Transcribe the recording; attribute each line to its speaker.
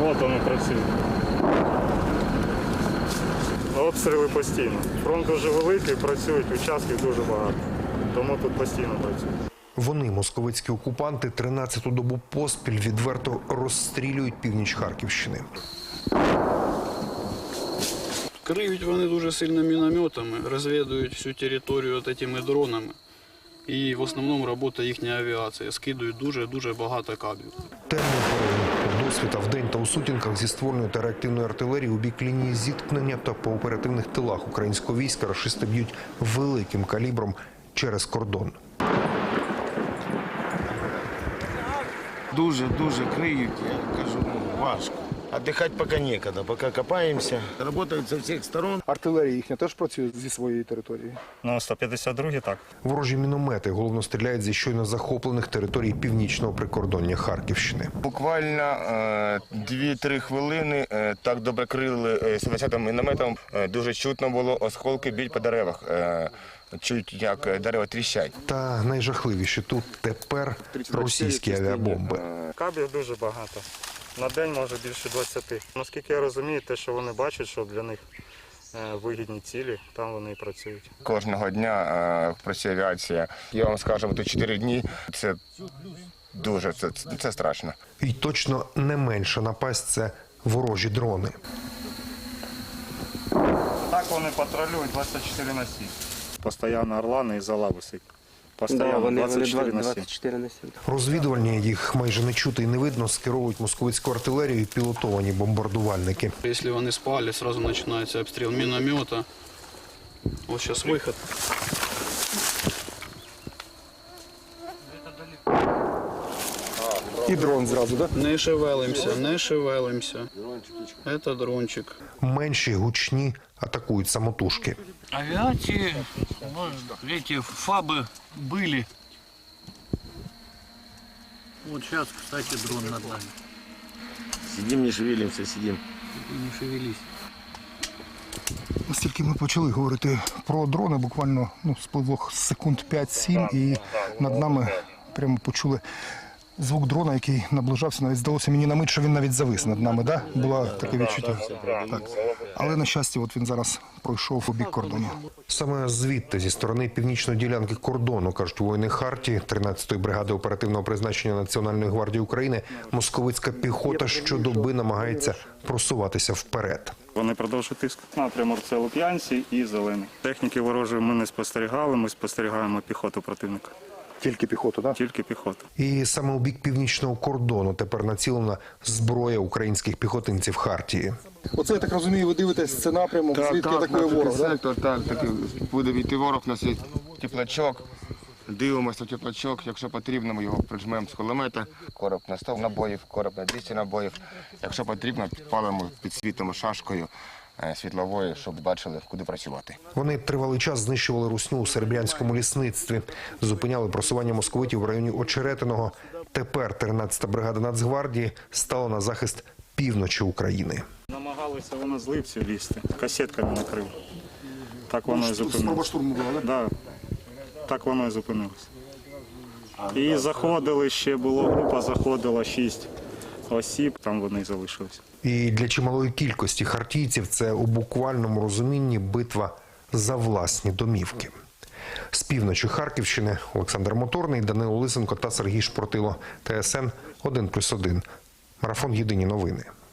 Speaker 1: От вони працюють. Обстріли постійно. Фронт дуже великий, працюють, участків дуже багато. Тому тут постійно працюють.
Speaker 2: Вони, московицькі окупанти, 13-ту добу поспіль відверто розстрілюють північ Харківщини.
Speaker 3: Криють вони дуже сильно мінометами, розвідують всю територію такими дронами. І в основному працює їхня авіація, скидують дуже багато кабів.
Speaker 2: Темний період досвіта вдень та у сутінках зі ствольної та реактивної артилерії у бік лінії зіткнення та по оперативних тилах українського війська рашисти б'ють великим калібром через кордон.
Speaker 4: Дуже криють, я кажу, важко. Отдыхать поки некогда, поки копаємося. Работають з усіх сторон.
Speaker 5: Артилерія їхня теж працює зі своєї території?
Speaker 1: Ну, 152-й так.
Speaker 2: Ворожі міномети головно стріляють зі щойно захоплених територій північного прикордоння Харківщини.
Speaker 4: Буквально 2-3 хвилини так добре крили 70-м мінометом. Дуже чутно було, осколки б'ють по деревах. Чуть як дерева тріщать.
Speaker 2: Та найжахливіше тут тепер російські авіабомби.
Speaker 1: Кабів дуже багато. На день може більше 20. Наскільки я розумію, те, що вони бачать, що для них вигідні цілі, там вони і працюють.
Speaker 4: Кожного дня працює авіація. Я вам скажу, тут 4 дні. Це дуже, це страшно.
Speaker 2: І точно не менша напасть – це ворожі дрони.
Speaker 1: Так вони патрулюють 24 на 7. Постоянно орлани і зала висить. Постоянно 24 на 7.
Speaker 2: Розвідувальні, їх майже не чути і не видно, скеровують московицьку артилерію і пілотовані бомбардувальники.
Speaker 3: Якщо вони спали, одразу починається обстріл міномета. Ось зараз вихід.
Speaker 5: І дрон зразу, так?
Speaker 3: Не шевелимося. Це дрончик.
Speaker 2: Менші, гучні атакують самотужки.
Speaker 6: Авиации, эти ФАБы были. Вот сейчас, кстати, дрон над нами.
Speaker 4: Сидим, не шевелимося, сидим.
Speaker 6: Не шевелись.
Speaker 5: Настільки ми почали говорити про дрони, буквально спливло секунд 5-7, і над нами прямо почули звук дрона, який наближався. Навіть здалося мені на мить, що він навіть завис над нами. Да? Було таке відчуття. Так. Але, на щастя, от він зараз пройшов у бік кордону.
Speaker 2: Саме звідти, зі сторони північної ділянки кордону, кажуть воїни Хартії, 13-ї бригади оперативного призначення Національної гвардії України, московицька піхота щодоби намагається просуватися вперед.
Speaker 1: Вони продовжують тиск. Напрямок це Луп'янці і Зелений. Техніки ворожої ми не спостерігали, ми спостерігаємо піхоту противника.
Speaker 5: Тільки піхоту, так?
Speaker 1: Тільки піхоту.
Speaker 2: І саме у бік північного кордону тепер націлена зброя українських піхотинців Хартії.
Speaker 5: Оце, я так розумію, ви дивитесь, це напрямок, звідки атакує ворог, так?
Speaker 4: Сектор, так, буде війти ворог, у нас є теплачок. Дивимося в теплачок, якщо потрібно, ми його прижмемо з кулемета. Короб на 100 набоїв, короб на 200 набоїв. Якщо потрібно, підпалимо, підсвітимо шашкою світловою, щоб бачили, куди працювати.
Speaker 2: Вони тривалий час знищували русню у серебрянському лісництві, зупиняли просування московитів в районі Очеретиного. Тепер 13-та бригада Нацгвардії стала на захист півночі України.
Speaker 1: Намагалися вони з Липців лізти, касетками накрили. Так воно і зупинилося.
Speaker 5: Спроба штурму була, так?
Speaker 1: Да. Так воно і зупинилося. І заходили ще, група заходила 6 осіб, там вони і залишилися.
Speaker 2: І для чималої кількості хартійців це у буквальному розумінні битва за власні домівки. З півночі Харківщини Олександр Моторний, Данило Лисенко та Сергій Шпортило. ТСН 1+1. Марафон «Єдині новини».